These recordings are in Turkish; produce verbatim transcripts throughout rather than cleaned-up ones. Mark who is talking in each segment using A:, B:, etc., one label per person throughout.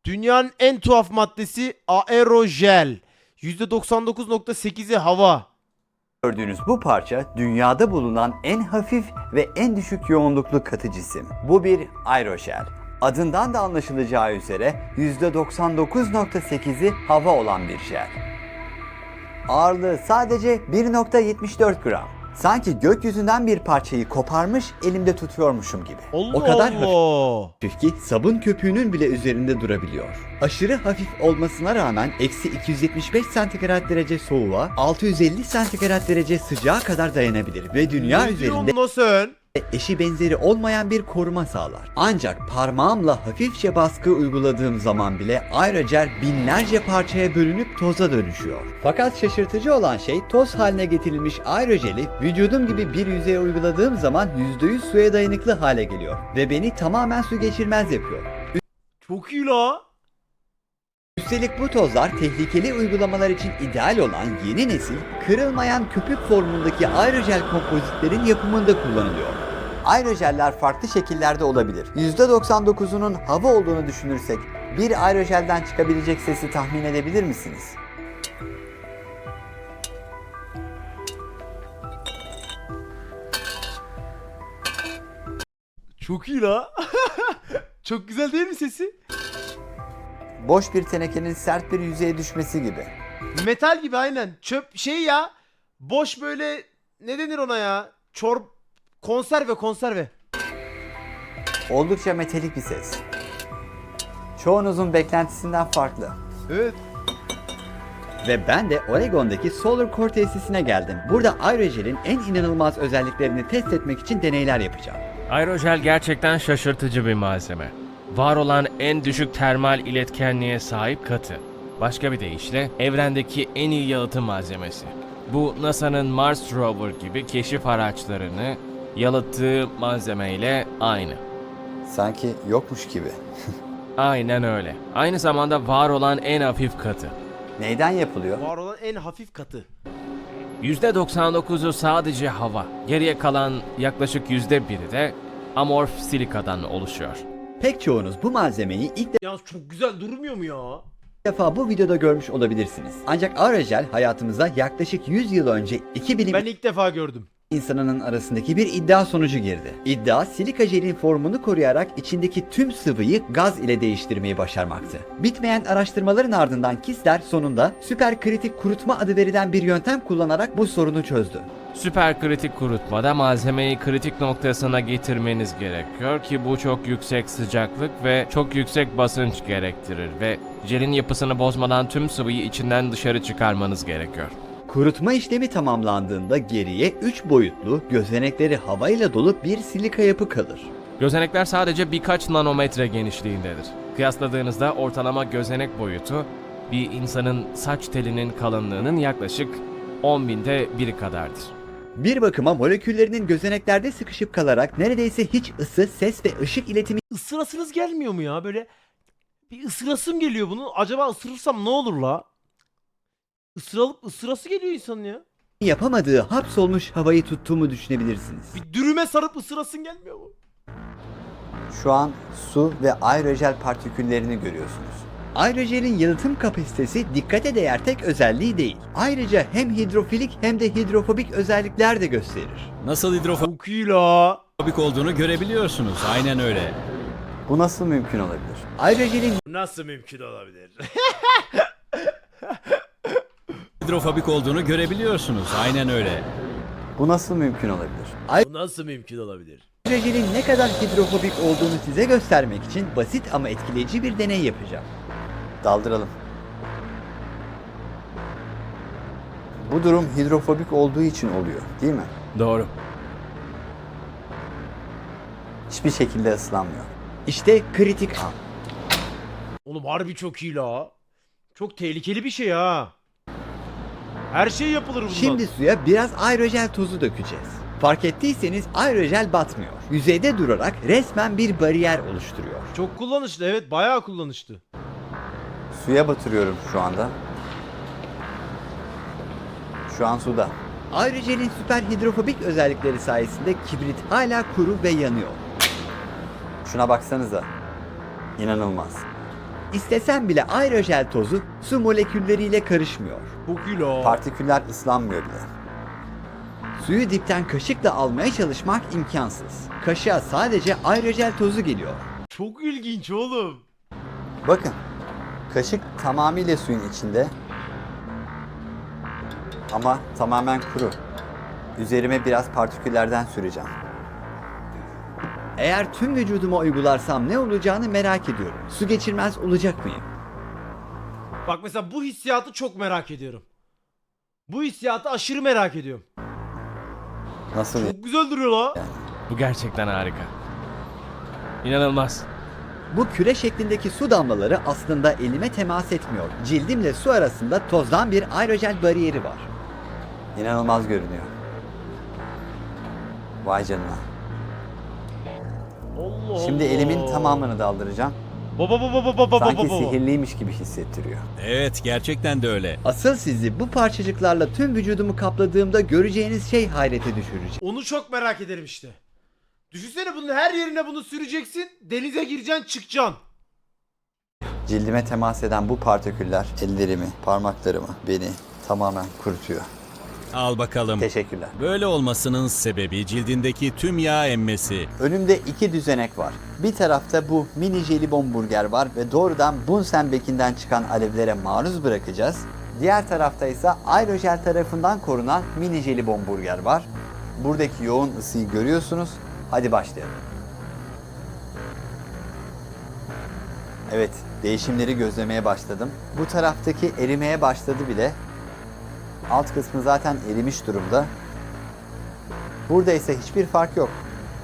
A: Dünyanın en tuhaf maddesi aerojel. yüzde doksan dokuz nokta sekizi hava.
B: Gördüğünüz bu parça dünyada bulunan en hafif ve en düşük yoğunluklu katı cisim. Bu bir aerojel. Adından da anlaşılacağı üzere yüzde doksan dokuz nokta sekizi hava olan bir jel. Ağırlığı sadece bir nokta yetmiş dört gram. Sanki gökyüzünden bir parçayı koparmış elimde tutuyormuşum gibi.
A: Allah
B: o kadar
A: Allah.
B: hafif ki sabun köpüğünün bile üzerinde durabiliyor. Aşırı hafif olmasına rağmen eksi iki yüz yetmiş beş santigrat derece soğuğa, altı yüz elli santigrat derece sıcağa kadar dayanabilir ve dünya
A: Ne
B: üzerinde
A: diyorsun lan sen?
B: eşi benzeri olmayan bir koruma sağlar. Ancak parmağımla hafifçe baskı uyguladığım zaman bile aerojel binlerce parçaya bölünüp toza dönüşüyor. Fakat şaşırtıcı olan şey toz haline getirilmiş aerojeli vücudum gibi bir yüzeye uyguladığım zaman yüzde yüz suya dayanıklı hale geliyor ve beni tamamen su geçirmez yapıyor.
A: Çok iyi la.
B: Üstelik bu tozlar tehlikeli uygulamalar için ideal olan yeni nesil kırılmayan köpük formundaki aerojel kompozitlerin yapımında kullanılıyor. Aerojeller farklı şekillerde olabilir. yüzde doksan dokuzunun hava olduğunu düşünürsek bir aerojelden çıkabilecek sesi tahmin edebilir misiniz?
A: Çok iyi la. Çok güzel değil mi sesi?
B: Boş bir tenekenin sert bir yüzeye düşmesi gibi.
A: Metal gibi aynen. Çöp şey ya. Boş böyle ne denir ona ya? Çorp konserve konserve.
B: Oldukça metalik bir ses. Çoğunuzun beklentisinden farklı.
A: Evet.
B: Ve ben de Oregon'daki Solar Core tesisine geldim. Burada aerojelin en inanılmaz özelliklerini test etmek için deneyler yapacağım.
C: Aerojel gerçekten şaşırtıcı bir malzeme. Var olan en düşük termal iletkenliğe sahip katı. Başka bir deyişle evrendeki en iyi yalıtım malzemesi. Bu NASA'nın Mars Rover gibi keşif araçlarını yalıttığı malzemeyle aynı.
B: Sanki yokmuş gibi.
C: Aynen öyle. Aynı zamanda var olan en hafif katı.
B: Neyden yapılıyor?
A: Var olan en hafif katı.
C: yüzde doksan dokuzu sadece hava. Geriye kalan yaklaşık yüzde biri de amorf silikadan oluşuyor.
B: Pek çoğunuz bu malzemeyi ilk
A: Yalnız çok güzel durmuyor mu ya?
B: defa bu videoda görmüş olabilirsiniz. Ancak aerojel hayatımıza yaklaşık yüz yıl önce iki bilim
A: Ben ilk defa gördüm.
B: insanının arasındaki bir iddia sonucu girdi. İddia silika jelin formunu koruyarak içindeki tüm sıvıyı gaz ile değiştirmeyi başarmaktı. Bitmeyen araştırmaların ardından Kistler sonunda süperkritik kurutma adı verilen bir yöntem kullanarak bu sorunu çözdü.
C: Süperkritik kurutmada malzemeyi kritik noktasına getirmeniz gerekiyor ki bu çok yüksek sıcaklık ve çok yüksek basınç gerektirir ve jelin yapısını bozmadan tüm sıvıyı içinden dışarı çıkarmanız gerekiyor.
B: Kurutma işlemi tamamlandığında geriye üç boyutlu, gözenekleri havayla dolu bir silika yapı kalır.
C: Gözenekler sadece birkaç nanometre genişliğindedir. Kıyasladığınızda ortalama gözenek boyutu bir insanın saç telinin kalınlığının yaklaşık on binde biri kadardır.
B: Bir bakıma moleküllerinin gözeneklerde sıkışıp kalarak neredeyse hiç ısı, ses ve ışık iletimi
A: Isırasınız gelmiyor mu ya böyle? Bir ısırasım geliyor bunu. Acaba ısırırsam ne olur la? Isıralıp ısırası geliyor insanın ya.
B: yapamadığı hapsolmuş havayı tuttuğumu düşünebilirsiniz.
A: Bir dürüme sarıp ısırasın gelmiyor mu?
B: Şu an su ve aerojel partiküllerini görüyorsunuz. Aerojelin yalıtım kapasitesi dikkate değer tek özelliği değil. Ayrıca hem hidrofilik hem de hidrofobik özellikler de gösterir.
D: Nasıl hidrofobik
A: Çok iyi la.
D: olduğunu görebiliyorsunuz. Aynen öyle.
B: Bu nasıl mümkün olabilir? Aerojelin
A: Nasıl mümkün olabilir?
D: Hidrofobik olduğunu görebiliyorsunuz. Aynen öyle.
B: bu nasıl mümkün olabilir?
A: Bu nasıl mümkün olabilir?
B: Aerojelin ne kadar hidrofobik olduğunu size göstermek için basit ama etkileyici bir deney yapacağım. Daldıralım. Bu durum hidrofobik olduğu için oluyor, değil mi?
C: Doğru.
B: Hiçbir şekilde ıslanmıyor. İşte kritik an.
A: Oğlum harbi çok iyi la. Çok tehlikeli bir şey ha. Her şey yapılır bundan.
B: Şimdi suya biraz aerojel tozu dökeceğiz. Fark ettiyseniz aerojel batmıyor. Yüzeyde durarak resmen bir bariyer oluşturuyor.
A: Çok kullanışlı, evet, bayağı kullanışlı.
B: Suya batırıyorum şu anda. Şu an suda. Aerojelin süper hidrofobik özellikleri sayesinde kibrit hala kuru ve yanıyor. Şuna baksanıza. İnanılmaz. İstesen bile aerojel tozu su molekülleriyle karışmıyor.
A: Bu kilo.
B: Partiküller ıslanmıyor bile. Suyu dipten kaşıkla almaya çalışmak imkansız. Kaşığa sadece aerojel tozu geliyor.
A: Çok ilginç oğlum.
B: Bakın, kaşık tamamıyla suyun içinde ama tamamen kuru. Üzerime biraz partiküllerden süreceğim. Eğer tüm vücuduma uygularsam ne olacağını merak ediyorum. Su geçirmez olacak mıyım?
A: Bak mesela bu hissiyatı çok merak ediyorum. Bu hissiyatı aşırı merak ediyorum.
B: Nasıl?
A: Çok güzel duruyor la.
C: Bu gerçekten harika. İnanılmaz.
B: Bu küre şeklindeki su damlaları aslında elime temas etmiyor. Cildimle su arasında tozdan bir aerojel bariyeri var. İnanılmaz görünüyor. Vay canına.
A: Allah
B: Şimdi
A: Allah.
B: elimin tamamını daldıracağım.
A: Baba baba baba baba
B: Sanki
A: baba.
B: sihirliymiş gibi hissettiriyor.
D: Evet, gerçekten de öyle.
B: Asıl sizi bu parçacıklarla tüm vücudumu kapladığımda göreceğiniz şey hayrete düşürecek.
A: Onu çok merak ederim işte. Düşünsene bunun her yerine bunu süreceksin. Denize gireceksin çıkacaksın.
B: Cildime temas eden bu partiküller ellerimi, parmaklarımı, beni tamamen kurutuyor.
D: Al bakalım.
B: Teşekkürler.
D: Böyle olmasının sebebi cildindeki tüm yağ emmesi.
B: Önümde iki düzenek var. Bir tarafta bu mini jelibon burger var ve doğrudan Bunsenbeck'inden çıkan alevlere maruz bırakacağız. Diğer tarafta ise aerojel tarafından korunan mini jelibon burger var. Buradaki yoğun ısıyı görüyorsunuz. Hadi başlayalım. Evet, değişimleri gözlemeye başladım. Bu taraftaki erimeye başladı bile. Alt kısmı zaten erimiş durumda. Burada ise hiçbir fark yok.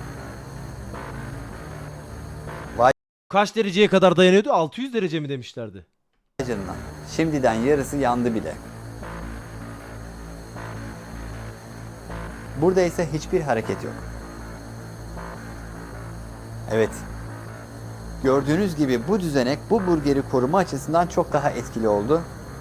A: Kaç dereceye kadar dayanıyordu? altı yüz derece mi demişlerdi?
B: Canına. Şimdiden yarısı yandı bile. Burada ise hiçbir hareket yok. Evet. Gördüğünüz gibi bu düzenek bu burgeri koruma açısından çok daha etkili oldu.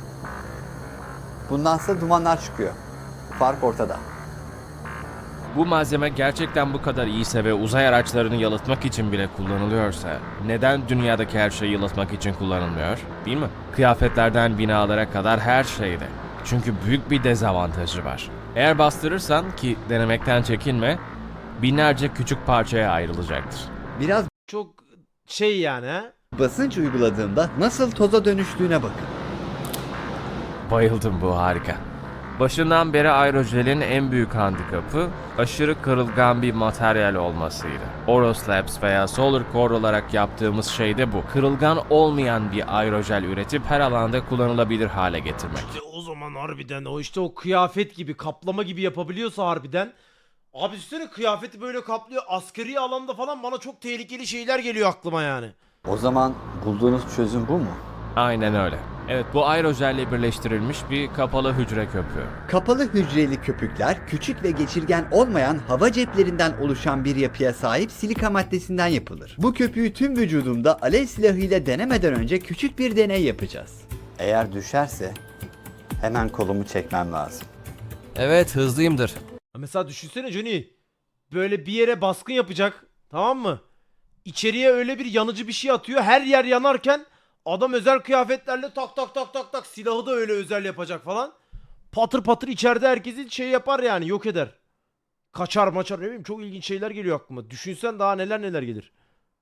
B: Bundansa dumanlar çıkıyor. Fark ortada.
C: Bu malzeme gerçekten bu kadar iyiyse ve uzay araçlarını yalıtmak için bile kullanılıyorsa neden dünyadaki her şeyi yalıtmak için kullanılmıyor? Değil mi? Kıyafetlerden binalara kadar her şeyde. Çünkü büyük bir dezavantajı var. Eğer bastırırsan, ki denemekten çekinme, binlerce küçük parçaya ayrılacaktır.
B: Biraz
A: Çok şey yani ha.
B: basınç uyguladığımda nasıl toza dönüştüğüne bakın.
C: Bayıldım, bu harika. Başından beri aerojelin en büyük handikapı aşırı kırılgan bir materyal olmasıydı. Oroslabs veya Solar Core olarak yaptığımız şey de bu. Kırılgan olmayan bir aerojel üretip her alanda kullanılabilir hale getirmek.
A: İşte o zaman harbiden o işte o kıyafet gibi kaplama gibi yapabiliyorsa harbiden. Abi üstüne kıyafeti böyle kaplıyor. Askeri alanda falan bana çok tehlikeli şeyler geliyor aklıma yani.
B: O zaman bulduğunuz çözüm bu mu?
C: Aynen öyle. Evet, bu aerojelle birleştirilmiş bir kapalı hücre köpüğü.
B: Kapalı hücreli köpükler küçük ve geçirgen olmayan hava ceplerinden oluşan bir yapıya sahip silika maddesinden yapılır. Bu köpüğü tüm vücudumda alev silahıyla denemeden önce küçük bir deney yapacağız. Eğer düşerse hemen kolumu çekmem lazım.
E: Evet, hızlıyımdır.
A: Mesela düşünsene Johnny. Böyle bir yere baskın yapacak. Tamam mı? İçeriye öyle bir yanıcı bir şey atıyor. Her yer yanarken adam özel kıyafetlerle tak tak tak tak tak silahı da öyle özel yapacak falan. Patır patır içeride herkesi şey yapar yani, yok eder. Kaçar maçar, ne bileyim, çok ilginç şeyler geliyor aklıma. Düşünsen daha neler neler gelir.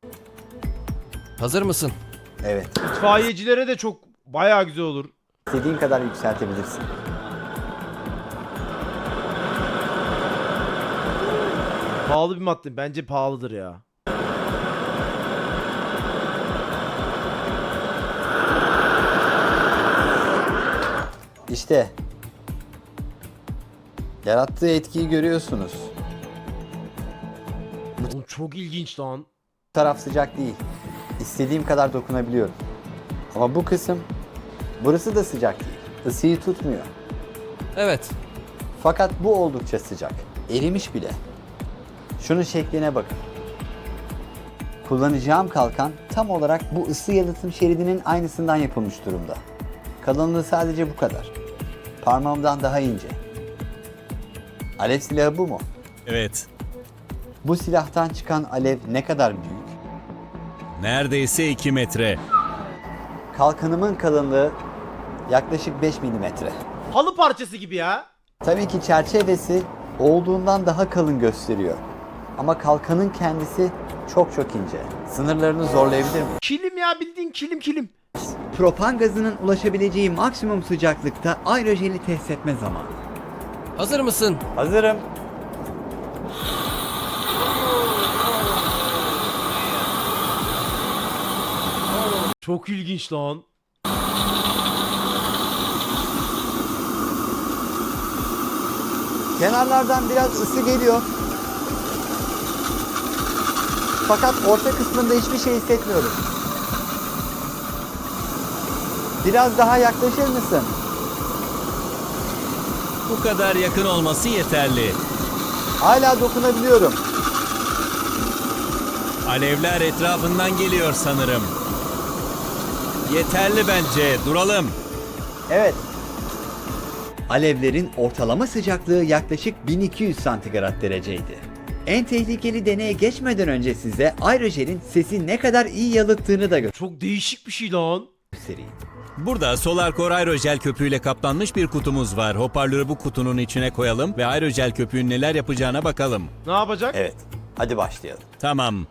E: Hazır mısın?
B: Evet,
A: İtfaiyecilere de çok bayağı güzel olur.
B: istediğin kadar yükseltebilirsin.
A: Pahalı bir madde. Bence pahalıdır ya.
B: İşte yarattığı etkiyi görüyorsunuz.
A: Oğlum çok ilginç lan.
B: Bu taraf sıcak değil. İstediğim kadar dokunabiliyorum. Ama bu kısım, burası da sıcak değil. Isıyı tutmuyor.
E: Evet.
B: Fakat bu oldukça sıcak. Erimiş bile. Şunun şekline bakın. Kullanacağım kalkan tam olarak bu ısı yalıtım şeridinin aynısından yapılmış durumda. Kalınlığı sadece bu kadar. Parmağımdan daha ince. Alev silahı bu mu?
D: Evet.
B: Bu silahtan çıkan alev ne kadar büyük?
D: Neredeyse iki metre.
B: Kalkanımın kalınlığı yaklaşık beş milimetre.
A: Halı parçası gibi ya.
B: Tabii ki çerçevesi olduğundan daha kalın gösteriyor. Ama kalkanın kendisi çok çok ince. Sınırlarını zorlayabilir mi?
A: Kilim ya, bildiğin kilim kilim.
B: Propan gazının ulaşabileceği maksimum sıcaklıkta aerojeli test etme zamanı.
E: Hazır mısın?
B: Hazırım.
A: Çok ilginç lan.
B: Kenarlardan biraz ısı geliyor. Fakat orta kısmında hiçbir şey hissetmiyorum. Biraz daha yaklaşır mısın?
D: Bu kadar yakın olması yeterli.
B: Hala dokunabiliyorum.
D: Alevler etrafından geliyor sanırım. Yeterli bence. Duralım.
B: Evet. Alevlerin ortalama sıcaklığı yaklaşık bin iki yüz santigrat dereceydi. En tehlikeli deneye geçmeden önce size aerojelin sesi ne kadar iyi yalıttığını da
A: Çok değişik bir şey lan.
B: göstereyim.
D: Burada Solarcore aerojel köpüğüyle kaplanmış bir kutumuz var. Hoparlörü bu kutunun içine koyalım ve aerojel köpüğün neler yapacağına bakalım.
A: Ne yapacak?
B: Evet, hadi başlayalım.
D: Tamam.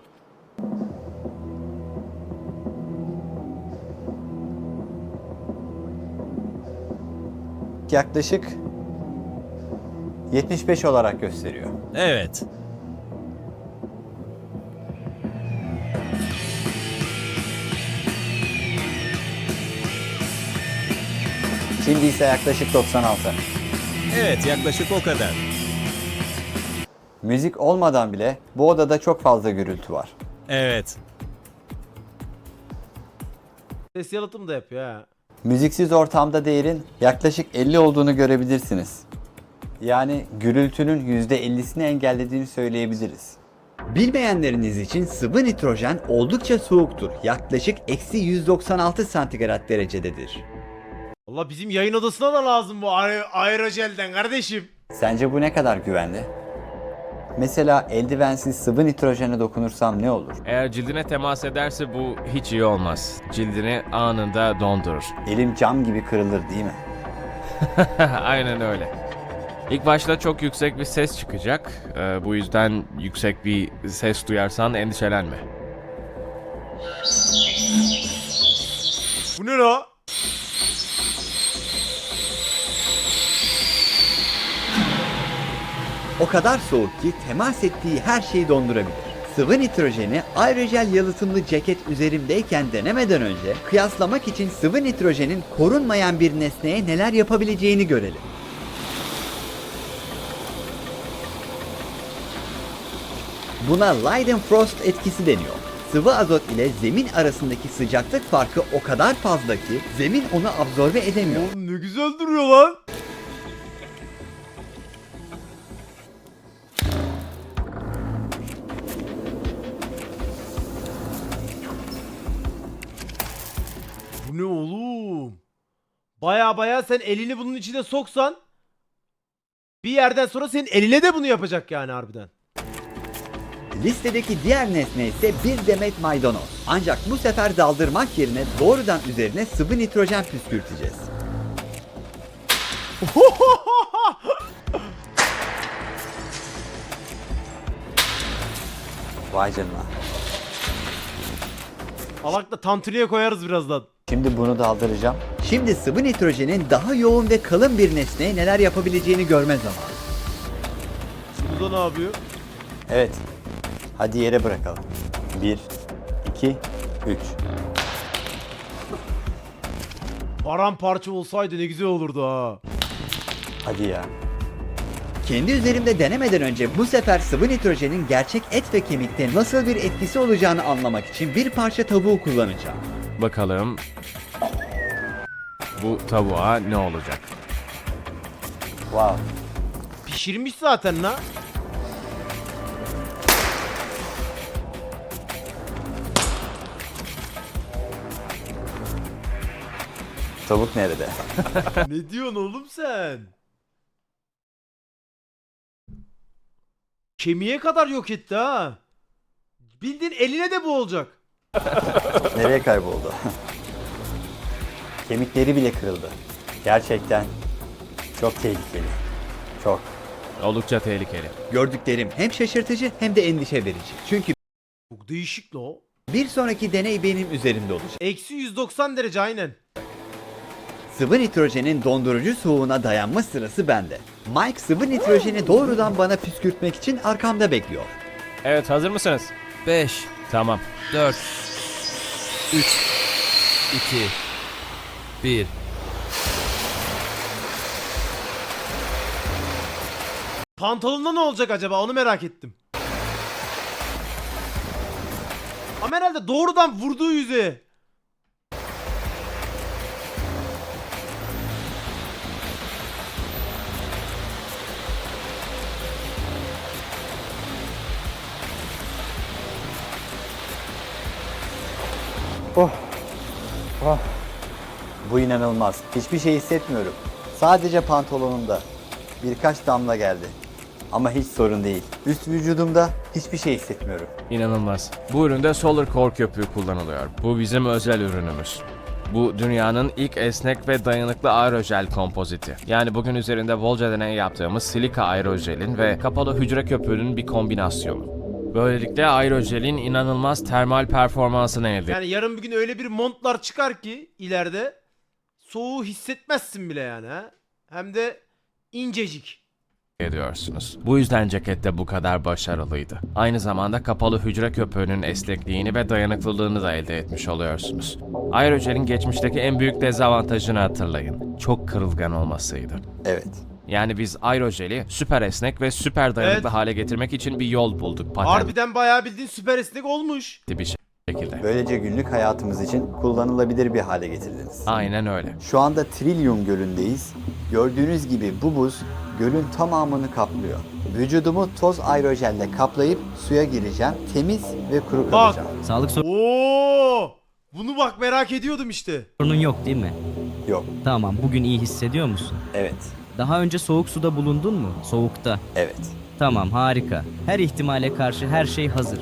B: Yaklaşık yetmiş beş olarak gösteriyor.
D: Evet.
B: Şimdi ise yaklaşık doksan altı.
D: Evet, yaklaşık o kadar.
B: Müzik olmadan bile bu odada çok fazla gürültü var.
D: Evet.
A: Ses yalıtım da yapıyor ha.
B: Müziksiz ortamda değerin yaklaşık elli olduğunu görebilirsiniz. Yani gürültünün yüzde ellisini engellediğini söyleyebiliriz. Bilmeyenleriniz için sıvı nitrojen oldukça soğuktur. Yaklaşık eksi yüz doksan altı santigrat derecededir.
A: Valla bizim yayın odasına da lazım bu aer aerojelden kardeşim.
B: Sence bu ne kadar güvenli? Mesela eldivensiz sıvı nitrojene dokunursam ne olur?
C: Eğer cildine temas ederse bu hiç iyi olmaz. Cildini anında dondurur.
B: Elim cam gibi kırılır değil mi?
C: Aynen öyle. İlk başta çok yüksek bir ses çıkacak. Ee, bu yüzden yüksek bir ses duyarsan endişelenme.
A: Bu ne la?
B: O kadar soğuk ki temas ettiği her şeyi dondurabilir. Sıvı nitrojeni aerojel yalıtımlı ceket üzerimdeyken denemeden önce kıyaslamak için sıvı nitrojenin korunmayan bir nesneye neler yapabileceğini görelim. Buna Leidenfrost etkisi deniyor. Sıvı azot ile zemin arasındaki sıcaklık farkı o kadar fazla ki zemin onu absorbe edemiyor.
A: Oğlum ne güzel duruyor lan. Bu ne oğlum? Baya baya sen elini bunun içine soksan bir yerden sonra senin eline de bunu yapacak yani harbiden.
B: Listedeki diğer nesne ise bir demet maydanoz. Ancak bu sefer daldırmak yerine doğrudan üzerine sıvı nitrojen püskürteceğiz. Vay canına.
A: Alakla tantuniye koyarız birazdan.
B: Şimdi bunu daldıracağım. Şimdi sıvı nitrojenin daha yoğun ve kalın bir nesneye neler yapabileceğini görme zamanı.
A: Bu da ne yapıyor?
B: Evet. Hadi yere bırakalım. Bir, iki, üç.
A: Paramparça olsaydı ne güzel olurdu ha.
B: Hadi ya. Kendi üzerimde denemeden önce bu sefer sıvı nitrojenin gerçek et ve kemikte nasıl bir etkisi olacağını anlamak için bir parça tavuğu kullanacağım.
C: Bakalım bu tavuğa ne olacak?
B: Wow.
A: Pişirmiş zaten la.
B: Tavuk nerede?
A: Ne diyorsun oğlum sen? Kemiğe kadar yok etti ha. Bildiğin eline de bu olacak.
B: Nereye kayboldu? Kemikleri bile kırıldı. Gerçekten çok tehlikeli. Çok.
C: Oldukça tehlikeli.
B: Gördüklerim hem şaşırtıcı hem de endişe verici. Çünkü
A: Çok değişik la o.
B: bir sonraki deney benim üzerimde olacak.
A: Eksi yüz doksan derece aynen.
B: Sıvı nitrojenin dondurucu soğuğuna dayanma sırası bende. Mike sıvı nitrojeni doğrudan bana püskürtmek için arkamda bekliyor.
C: Evet, hazır mısınız?
E: beş,
C: Tamam.
E: dört, üç, iki, bir.
A: Pantolonda ne olacak acaba onu merak ettim. Ama herhalde doğrudan vurduğu yüzeye.
B: Bu inanılmaz. Hiçbir şey hissetmiyorum. Sadece pantolonumda birkaç damla geldi. Ama hiç sorun değil. Üst vücudumda hiçbir şey hissetmiyorum.
C: İnanılmaz. Bu üründe Solar Core köpüğü kullanılıyor. Bu bizim özel ürünümüz. Bu dünyanın ilk esnek ve dayanıklı aerojel kompoziti. Yani bugün üzerinde bolca deney yaptığımız silika aerojelin ve kapalı hücre köpüğünün bir kombinasyonu. Böylelikle aerojelin inanılmaz termal performansını elde
A: Yani yarın bir gün öyle bir montlar çıkar ki ileride soğuğu hissetmezsin bile yani ha. Hem de incecik.
C: ediyorsunuz. Bu yüzden ceket de bu kadar başarılıydı. Aynı zamanda kapalı hücre köpüğünün esnekliğini ve dayanıklılığını da elde etmiş oluyorsunuz. Aerojelin geçmişteki en büyük dezavantajını hatırlayın. Çok kırılgan olmasıydı.
B: Evet.
C: Yani biz aerojeli süper esnek ve süper dayanıklı
A: Evet.
C: hale getirmek için bir yol bulduk. Patentli
A: Harbiden bayağı bildiğin süper esnek olmuş.
C: bir şekilde.
B: Böylece günlük hayatımız için kullanılabilir bir hale getirdiniz.
C: Aynen öyle.
B: Şu anda Trillium Gölü'ndeyiz. Gördüğünüz gibi bu buz gölün tamamını kaplıyor. Vücudumu toz aerojelle kaplayıp suya gireceğim. Temiz ve kuru
A: Bak.
B: kalacağım.
F: Sağlık
A: Oo! Bunu bak merak ediyordum işte.
F: sorunun yok değil mi?
B: Yok.
F: Tamam, bugün iyi hissediyor musun?
B: Evet.
F: Daha önce soğuk suda bulundun mu? Soğukta.
B: Evet.
F: Tamam, harika. Her ihtimale karşı her şey hazır.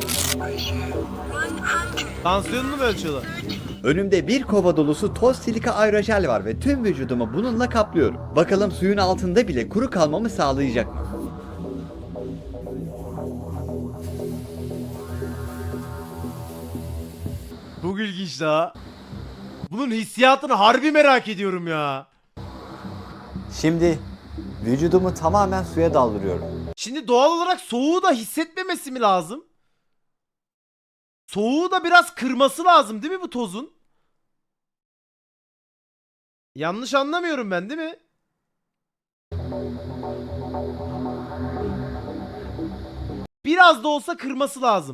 A: Tansiyonunu mu ölçüyorlar?
B: Önümde bir kova dolusu toz silika aerojel var ve tüm vücudumu bununla kaplıyorum. Bakalım suyun altında bile kuru kalmamı sağlayacak mı?
A: Çok ilginç la. Bunun hissiyatını harbi merak ediyorum ya.
B: Şimdi vücudumu tamamen suya daldırıyorum.
A: Şimdi doğal olarak soğuğu da hissetmemesi mi lazım? Soğuğu da biraz kırması lazım değil mi bu tozun? Yanlış anlamıyorum ben değil mi? Biraz da olsa kırması lazım.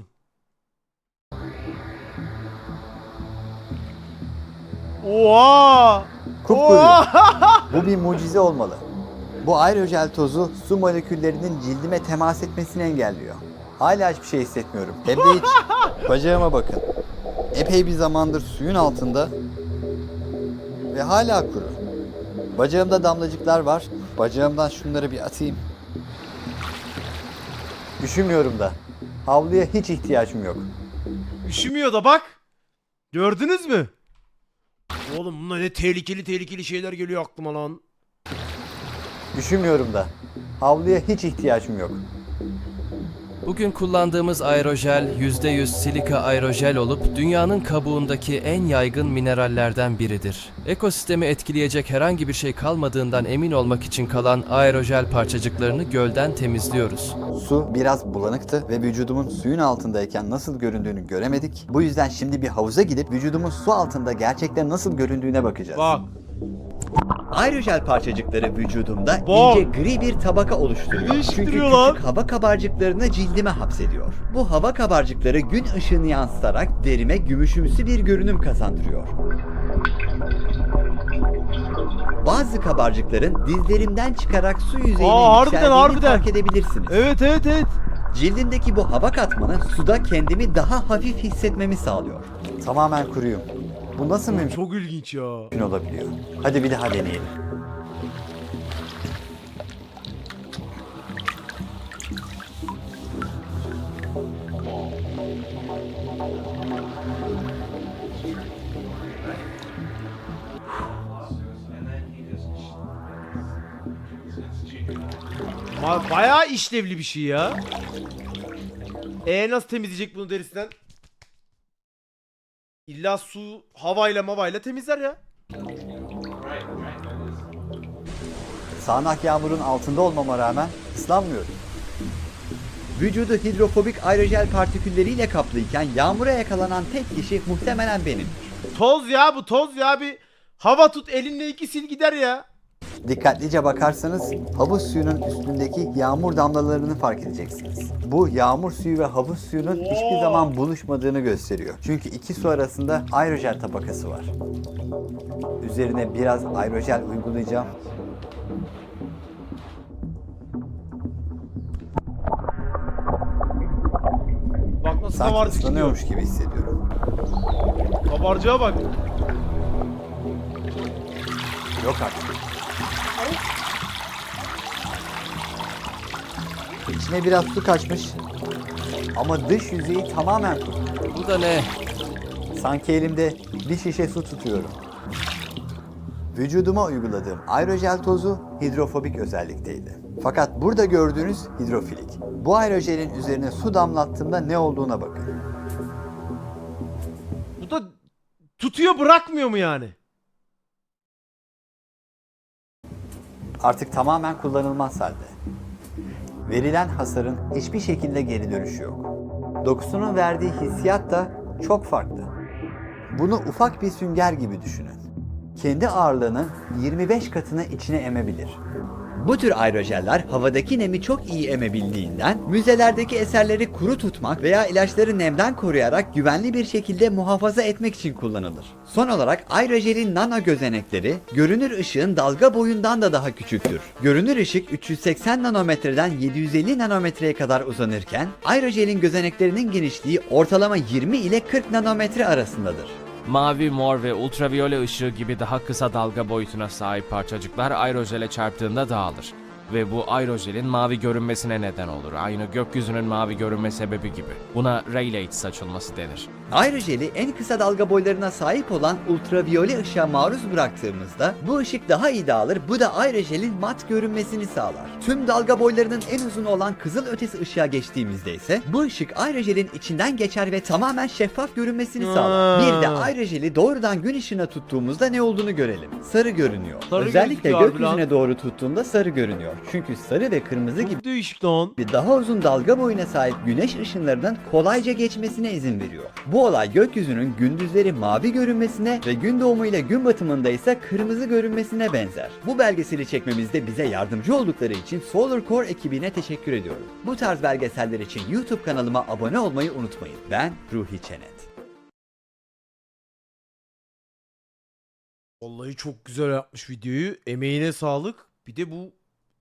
A: Oha!
B: Kupkuru.
A: Oha!
B: Bu bir mucize olmalı. Bu aerojel tozu su moleküllerinin cildime temas etmesini engelliyor. Hala hiçbir şey hissetmiyorum. Hem de hiç. Bacağıma bakın. Epey bir zamandır suyun altında ve hala kuru. Bacağımda damlacıklar var. Bacağımdan şunları bir atayım. Üşümüyorum da. Havluya hiç ihtiyacım yok.
A: Üşümüyor da bak. Gördünüz mü? Oğlum bunlar ne tehlikeli tehlikeli şeyler geliyor aklıma lan.
B: Üşümüyorum da. Havluya hiç ihtiyacım yok.
E: Bugün kullandığımız aerojel yüzde yüz silika aerojel olup dünyanın kabuğundaki en yaygın minerallerden biridir. Ekosistemi etkileyecek herhangi bir şey kalmadığından emin olmak için kalan aerojel parçacıklarını gölden temizliyoruz.
B: Su biraz bulanıktı ve vücudumun suyun altındayken nasıl göründüğünü göremedik. Bu yüzden şimdi bir havuza gidip vücudumun su altında gerçekten nasıl göründüğüne bakacağız.
A: Bak.
B: Aerojel parçacıkları vücudumda
A: Bak.
B: ince gri bir tabaka oluşturuyor. Çünkü
A: Değiştiriyor
B: küçük
A: lan.
B: hava kabarcıklarını cildime hapsediyor. Bu hava kabarcıkları gün ışığını yansıtarak derime gümüşümsü bir görünüm kazandırıyor. Bazı kabarcıkların dizlerimden çıkarak su yüzeyine
A: Aa, harbiden,
B: yükseldiğini
A: harbiden.
B: fark edebilirsiniz.
A: Evet evet evet.
B: Cildimdeki bu hava katmanı suda kendimi daha hafif hissetmemi sağlıyor. Tamamen kuruyum. Bu nasıl mümkün
A: Çok ilginç ya.
B: olabiliyor? Hadi bir daha deneyelim.
A: Ba- bayağı işlevli bir şey ya. E nasıl temizleyecek bunu derisinden? İlla su havayla mavayla temizler ya.
B: Sağanak yağmurun altında olmama rağmen ıslanmıyorum. Vücudu hidrofobik aerojel partikülleriyle kaplıyken yağmura yakalanan tek kişi muhtemelen benim.
A: Toz ya bu toz ya bir hava tut elinle iki sil gider ya.
B: Dikkatlice bakarsanız havuz suyunun üstündeki yağmur damlalarını fark edeceksiniz. Bu yağmur suyu ve havuz suyunun hiçbir zaman buluşmadığını gösteriyor. Çünkü iki su arasında aerojel tabakası var. Üzerine biraz aerojel uygulayacağım.
A: Bak nasıl
B: Sanki
A: kabarcık gidiyor.
B: ıslanıyormuş gibi hissediyorum.
A: Kabarcığa bak.
B: Yok artık. İçine biraz su kaçmış. Ama dış yüzeyi tamamen kuru.
E: Bu da ne?
B: Sanki elimde bir şişe su tutuyorum. Vücuduma uyguladığım aerojel tozu hidrofobik özellikteydi. Fakat burada gördüğünüz hidrofilik. Bu aerojelin üzerine su damlattığımda ne olduğuna bakın.
A: Bu da tutuyor bırakmıyor mu yani?
B: Artık tamamen kullanılmaz halde. Verilen hasarın hiçbir şekilde geri dönüşü yok. Dokusunun verdiği hissiyat da çok farklı. Bunu ufak bir sünger gibi düşünün. Kendi ağırlığının yirmi beş katını içine emebilir. Bu tür aerojeller havadaki nemi çok iyi emebildiğinden müzelerdeki eserleri kuru tutmak veya ilaçları nemden koruyarak güvenli bir şekilde muhafaza etmek için kullanılır. Son olarak aerojelin nano gözenekleri görünür ışığın dalga boyundan da daha küçüktür. Görünür ışık üç yüz seksen nanometreden yedi yüz elli nanometreye kadar uzanırken aerojelin gözeneklerinin genişliği ortalama yirmi ile kırk nanometre arasındadır.
C: Mavi, mor ve ultraviyole ışığı gibi daha kısa dalga boyutuna sahip parçacıklar aerojele çarptığında dağılır. Ve bu aerojelin mavi görünmesine neden olur. Aynı gökyüzünün mavi görünme sebebi gibi. Buna Rayleigh saçılması denir.
B: Aerojeli en kısa dalga boylarına sahip olan ultraviyole ışığa maruz bıraktığımızda bu ışık daha iyi dağılır. Bu da aerojelin mat görünmesini sağlar. Tüm dalga boylarının en uzunu olan kızıl ötesi ışığa geçtiğimizde ise bu ışık aerojelin içinden geçer ve tamamen şeffaf görünmesini sağlar. Bir de aerojeli doğrudan gün ışığına tuttuğumuzda ne olduğunu görelim. Sarı görünüyor.
A: Sarı
B: Özellikle
A: gözüküyor abi
B: gökyüzüne
A: lan.
B: doğru tuttuğunda sarı görünüyor. Çünkü sarı ve kırmızı gibi
A: Çok değişik lan.
B: bir daha uzun dalga boyuna sahip güneş ışınlarının kolayca geçmesine izin veriyor. Bu olay gökyüzünün gündüzleri mavi görünmesine ve gün doğumu ile gün batımında ise kırmızı görünmesine benzer. Bu belgeseli çekmemizde bize yardımcı oldukları için Solar Core ekibine teşekkür ediyorum. Bu tarz belgeseller için YouTube kanalıma abone olmayı unutmayın. Ben Ruhi Çenet.
A: Vallahi çok güzel yapmış videoyu. Emeğine sağlık. Bir de bu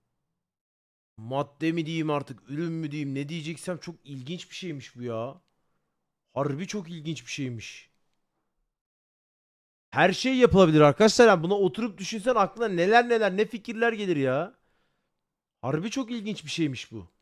A: madde mi diyeyim artık, ürün mü diyeyim, ne diyeceksem çok ilginç bir şeymiş bu ya. Harbi çok ilginç bir şeymiş. Her şey yapılabilir arkadaşlar. Yani buna oturup düşünsen aklına neler neler ne fikirler gelir ya. Harbi çok ilginç bir şeymiş bu.